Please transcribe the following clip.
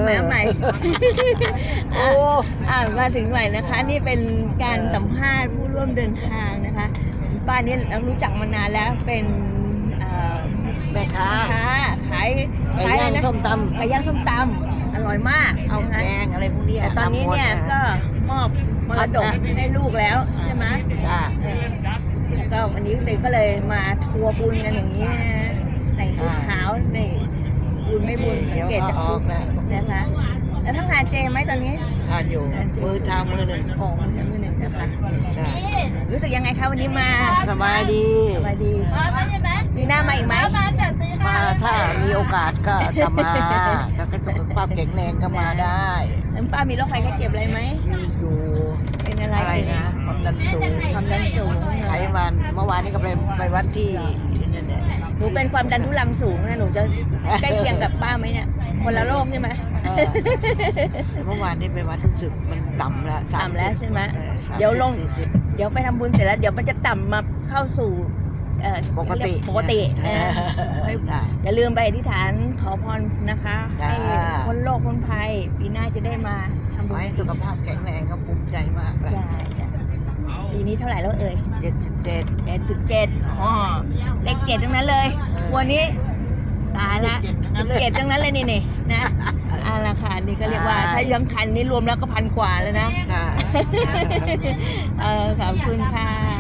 มาใหม่โอ้มาถึงใหม่นะคะ นี่เป็นการสัมภาษณ์ผู้ร่วมเดินทางนะคะป้านี่เรารู้จักมานานแล้วเป็นแม่ค้าขายไก่ย่างนะส้มตไก่ย่างส้มตำอร่อยมากำเอานะคะแกงอะไรพวกนี้แต่ตอนนี้เนี่ยก็มอบมรดกให้ลูกแล้วใช่ไหมจ้าแล้วก็วันนี้เด็กก็เลยมาทัวร์บุญกันอย่างนี้นะแต่งชุดขาวนี่บุญไม่บุญสังเกตจากชุดนะคะแล้วทั้งทานเจไหมตอนนี้ทานอยู่มือเช้ามือหนึ่งของมือหนึ่งนะคะจ้ารู้สึกยังไงคะวันนี้มาสบายดีสบายดีมีหน้ามาอีกไหมมาถ้ามีโอกาสก็จะมาถ้าสุขภาพแข็งแรงก็มาได้แล้วป้ามีโรคภัยไข้เจ็บอะไรไหมมีอยู่เป็นอะไรอะไรนะความดันสูงความดันสูงไขมันเมื่อวานนี้ก็ไปวัดที่นั่นแหละหนูเป็นความดันทุรังสูงนะหนูจะใกล้เคียงกับป้าไหมเนี่ยคนละโรคใช่ไหมแต่เมื่อวานนี้ไปวัดรู้สึกมันต่ำแล้วต่ำแล้วใช่ไหม 30 เดี๋ยวลง 40 เดี๋ยวไปทำบุญเสร็จแล้วเดี๋ยวมันจะต่ำมาเข้าสู่ปกติปกตินะจ้ะอย่าลืมไปอธิษฐานขอพรนะคะจ้ะให้พ้นโรคพ้นภัยปีหน้าจะได้มาทำขบุอญให้สุขภาพแข็งแรงก็ภูมิใจมากเลยใช่จ้ะปีนี้เท่าไหร่แล้วเอ่ย 77 87อ๋อเลข7ทั้งนั้นเลยวันนี้ตายละ17ทั้งนั้นเลยนี่นะราคานี่ก็เรียกว่าถ้าย้ำคันนี้รวมแล้วก็1,000 กว่าแล้วนะใช่ขอบคุณค่ะ